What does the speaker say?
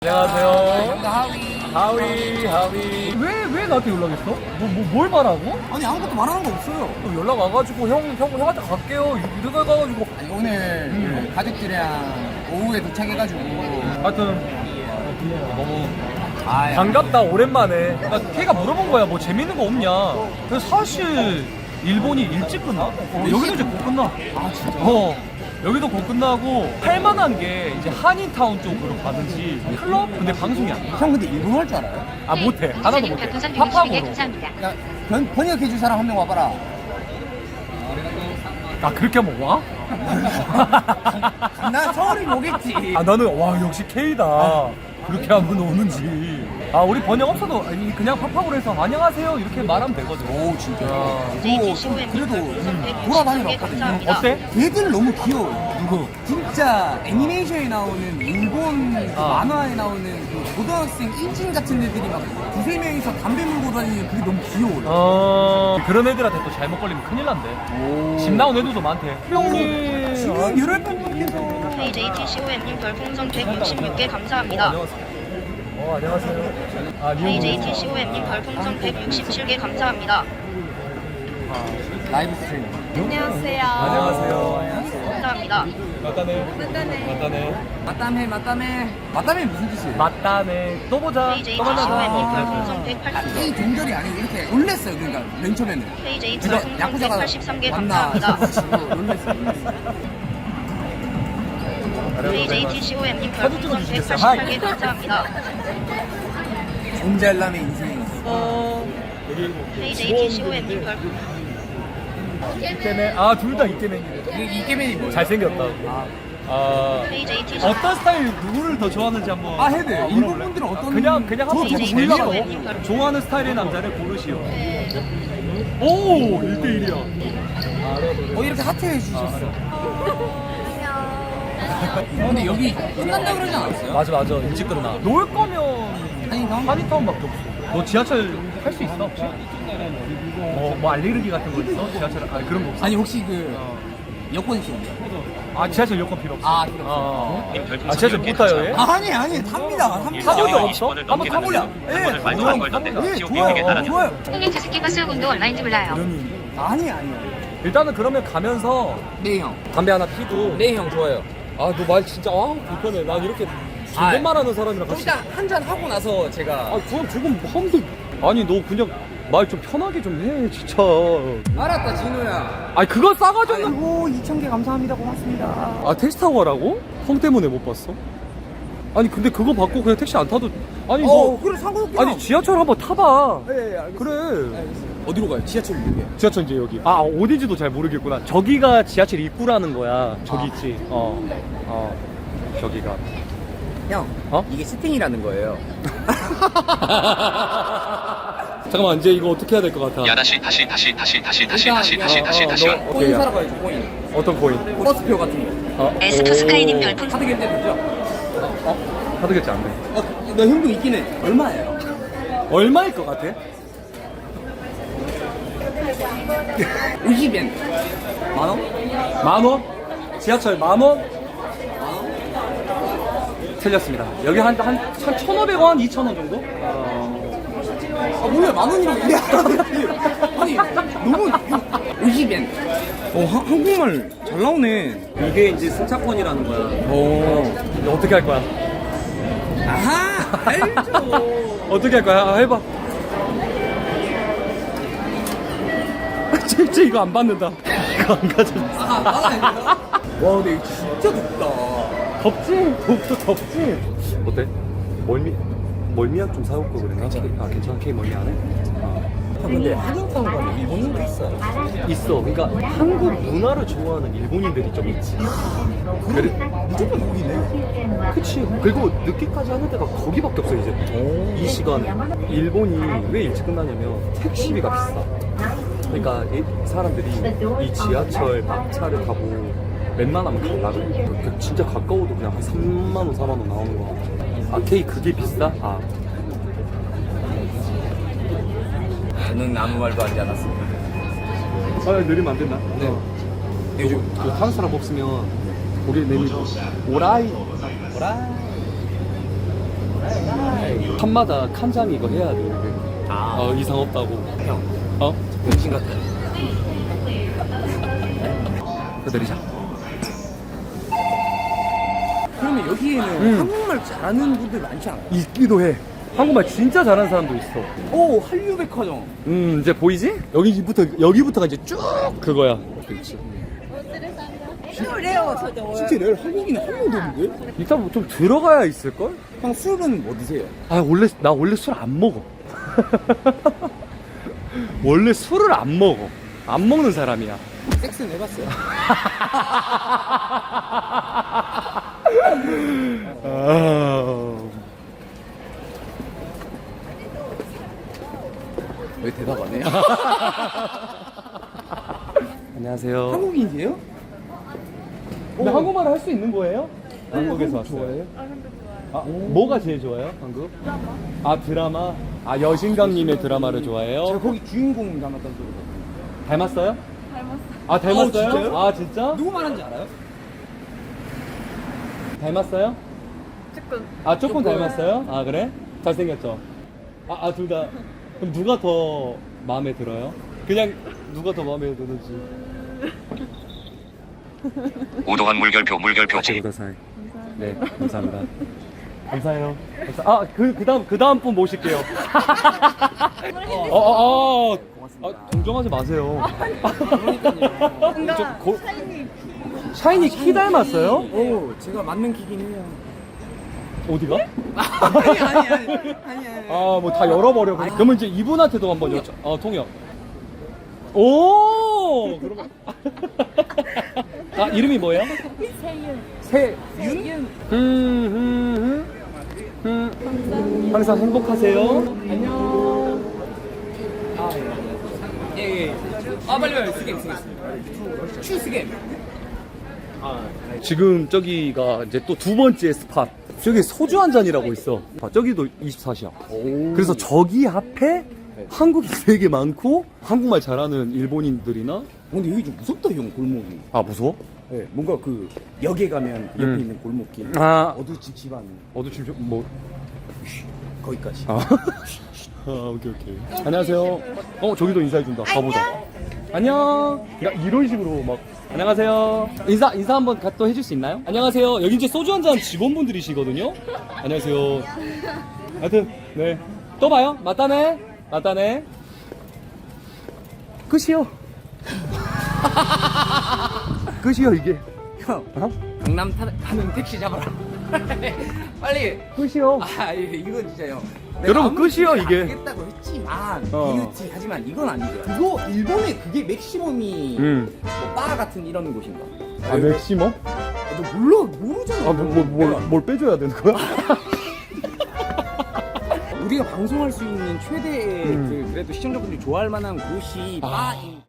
안녕하세요. 하위. 왜 나한테 연락했어? 뭘 말하고? 아니 아무것도 말하는 거 없어요. 또 연락 와가지고 형한테 갈게요. 이래가지고. 아니, 오늘 가족들이랑 오후에 도착해가지고 하여튼 너무 반갑다 오랜만에. 그러니까 걔가 물어본 거야. 뭐 재밌는 거 없냐. 그래서 사실 일본이 일찍 끝나? 여기도 이제 곧 끝나. 아 진짜? 여기도 곧 끝나고 할만한 게 이제 한인타운 쪽으로 가든지 클럽? 근데 방송이 안 돼. 형 근데 일본어 할 줄 알아요? 아 못해. 하나도 못해. 별풍선 160개 팝팝으로. 감사합니다. 야 번역해줄 사람 한 명 와봐라. 아 그렇게 하면 와? 나 서울이 오겠지. 아 나는 와 역시 K다. 그렇게 하면 오는지. 아 우리 번역 없어도 아니, 그냥 팝팝으로 해서 안녕하세요 이렇게 말하면 되거든. 오 진짜. JT15M 그래도 별풍선 돌아다니러 160개 왔거든요. 감사합니다. 어때? 걔들 너무 귀여워. 누구? 진짜 애니메이션에 나오는 일본 그 아. 만화에 나오는 그 고등학생 인진 같은 애들이 막 두세 명이서 담배 물고 다니는 그게 너무 귀여워요. 그런 애들한테 또 잘못 걸리면 큰일 난대. 집 나온 애들도 많대. 형님. 지금 열혈 팬분께서 JT15M님 별풍선 166개 감사합니다. 안녕하세요. 아 JT15M님 별풍선 167개 감사합니다. 라이브 스트리밍. 안녕하세요. 안녕하세요. 감사합니다. 맞다네. 맞다메 무슨 뜻이에요? 맞다네. 또 보자. 또 만나자. JT15M님 별풍선 180개. 이 동절이 아니고 이렇게 놀랬어요. 그러니까 맨 처음에는 JT 제가 별풍선 야구자가 183개 맞나 감사합니다. 싶어가지고 놀랬어요. JT15M님 사진 별풍선 찍어주시겠어요? 188개 감사합니다. 존잘남의 인생이었어. JT15M님 별풍선 이케맨. 둘 다 이케맨이네. 이게맨이 뭐예요? 잘생겼다고. JT15M 어떤 스타일 누구를 더 좋아하는지 한번. 해야 돼요. 일본 분들은 어떤 그냥 한번 저 JT15M 재미로 몰라가지고. 좋아하는 스타일의 남자를 고르시오. 오 1대1이야. 이렇게 하트해 주셨어. 근데 여기 끝난다 그러지 않았어요? 맞아 일찍 끝나. 놀 거면 한인타운? 한인타운밖에 없어. 너 지하철 탈 수 있어 혹시? 뭐 알레르기 같은 거 있어? 지하철 그런 거 없어? 아니 혹시 그 여권 있었는데? 지하철 여권 필요 없어. 필요 없어. 지하철 못 타요 얘? 아니 탑니다. 탄 적이 없어? 한번 타볼래? 말도 안 걸던데. 지옥 비행에 따라서. 좋아요. 형님 저 새끼가 수요금도 얼마인지 몰라요. 아니에요. 일단은 그러면 가면서 네 형. 담배 하나 피고. 네 형 좋아요. 너 말 진짜 불편해. 난 이렇게 존댓말하는 사람이랑 같이. 일단 한 잔 하고 나서 제가 그럼 지금 하는데. 아니 너 그냥 말 좀 편하게 좀 해 진짜. 알았다 진우야. 그거 싸가지고. 아이고 2,000개 감사합니다. 고맙습니다. 택시 타고 가라고? 형 때문에 못 봤어? 아니 근데 그거 받고 그냥 택시 안 타도. 아니 그래 상관없게. 아니 지하철 한번 타봐. 네 알겠습니다. 그래. 어디로 가요? 지하철 이렇게. 지하철 이제 여기. 어딘지도 잘 모르겠구나. 저기가 지하철 입구라는 거야. 저기 있지. 저기가. 형. 이게 스팅이라는 거예요. 잠깐만 이제 이거 어떻게 해야 될 것 같아? 야 다시 코인 사러 가야죠 코인. 어떤 코인? 버스표 같은 거. 에스토스카이님 별풍선 카드 결제 되죠? 카드 결제 안 돼. 너 현금 있긴 해. 얼마예요? 얼마일 것 같아? 50엔. 만 원? 10,000원? 지하철 10,000원? 틀렸습니다. 여기 한 1,500원, 2,000원 정도? 몰라 만 원이라고 얘기 아니 너무 50엔. 한국말 잘 나오네. 이게 이제 승차권이라는 거야. 오. 어떻게 할 거야? 아하 알죠. 어떻게 할 거야? 해봐. 진짜 이거 안 받는다. 이거 안 가져줬어. 와 근데 이거 진짜 덥다. 덥지? 덥지? 어때? 멀미약 좀 사올 거 그랬나? 괜찮아? K 멀미 안 해? 근데 한인타운 가면 일본인도 있어요. 있어. 그러니까 한국 문화를 좋아하는 일본인들이 좀 있지. 그래. 무조건 거기네. 그치. 그리고 늦게까지 하는 데가 거기밖에 없어 이제. 이 시간에. 일본이 왜 일찍 끝나냐면 택시비가 비싸. 그러니까 이 사람들이 이 지하철 막차를 타고 웬만하면 가려고 그래. 진짜 가까워도 그냥 한 3만원 4만원 나오는 거 같아. K 그게 비싸? 저는 아무 말도 하지 않았습니다. 느리면 안 된다. 네. 요즘 타는 사람 없으면 고개 내밀고 오라이 판마다 칸장 이거 해야 돼. 이상 없다고. 형, 어? 병신 같아요. 기다리자. 그러면 여기에는 한국말 잘하는 분들 많지 않아요? 있기도 해. 한국말 진짜 잘하는 사람도 있어. 오, 한류백화점. 이제 보이지? 여기부터가 이제 쭉 그거야. 그렇지. 진짜 레알 한국인은 한 명도 없는데? 일단 뭐좀 들어가야 있을걸? 형 술은 뭐 드세요? 나 원래 술 안 먹어. 원래 술을 안 먹어. 안 먹는 사람이야. 섹스는 해봤어요? 왜 대답 안 해요? 안녕하세요. 한국인이세요? 근데 한국말을 할 수 있는 거예요? 한국에서 왔어요. 좋아해요? 뭐가 제일 좋아요? 한국? 드라마? 여신강님의 드라마를 좋아해요? 제가 거기 주인공 닮았다는 소리 들었어요. 닮았어요? 닮았어요. 진짜요? 진짜? 누구 말하는지 알아요? 닮았어요? 조금 닮았어요? 그래? 잘생겼죠? 둘 다. 그럼 누가 더 마음에 들어요? 그냥 누가 더 마음에 드는지. 우도한 물결표 제 네, 감사합니다. 감사해요. 그 다음 분 모실게요. 동정하지 마세요. 샤이니 키 닮았어요? 오, 제가 맞는 기긴 해요. 어디가? 아니. 뭐 다 열어버려. 그러면 이제 이분한테도 한번 여쭤. 통역. 오! 그러면. 이름이 뭐예요? 세윤. 항상 행복하세요. 안녕. 예. 빨리 스겜. 추스겜. 지금 저기가 이제 또 두 번째 스팟. 저기 소주 한 잔이라고 있어. 저기도 24시야. 그래서 저기 앞에 한국인 되게 많고 한국말 잘하는 일본인들이나. 근데 여기 좀 무섭다 형 골목이. 무서워? 네, 뭔가 그 역에 가면 옆에 있는 골목길. 어두침침한. 지금 뭐? 거기까지. 오케이. 안녕하세요. 저기도 인사해준다. 가보자. 안녕. 그러니까 이런 식으로 막. 안녕하세요. 인사 한번 또 해줄 수 있나요? 안녕하세요. 여기 이제 소주 한잔 직원분들이시거든요. 안녕하세요. 하여튼, 네. 또 봐요. 맞다네. 끝이요. 끝이요, 이게. 형, 강남 타는 택시 잡아라. 빨리. 끝이요. 이건 진짜 형. 여러분, 끝이요, 이게. 하겠다고 했지만, 하지만 이건 아니죠. 그거 일본에 그게 맥시멈이 뭐바 같은 이런 곳인가? 맥시멈? 너 모르잖아. 뭘 빼줘야 되는 거야? 우리가 방송할 수 있는 최대의 그래도 시청자분들이 좋아할 만한 곳이 바인.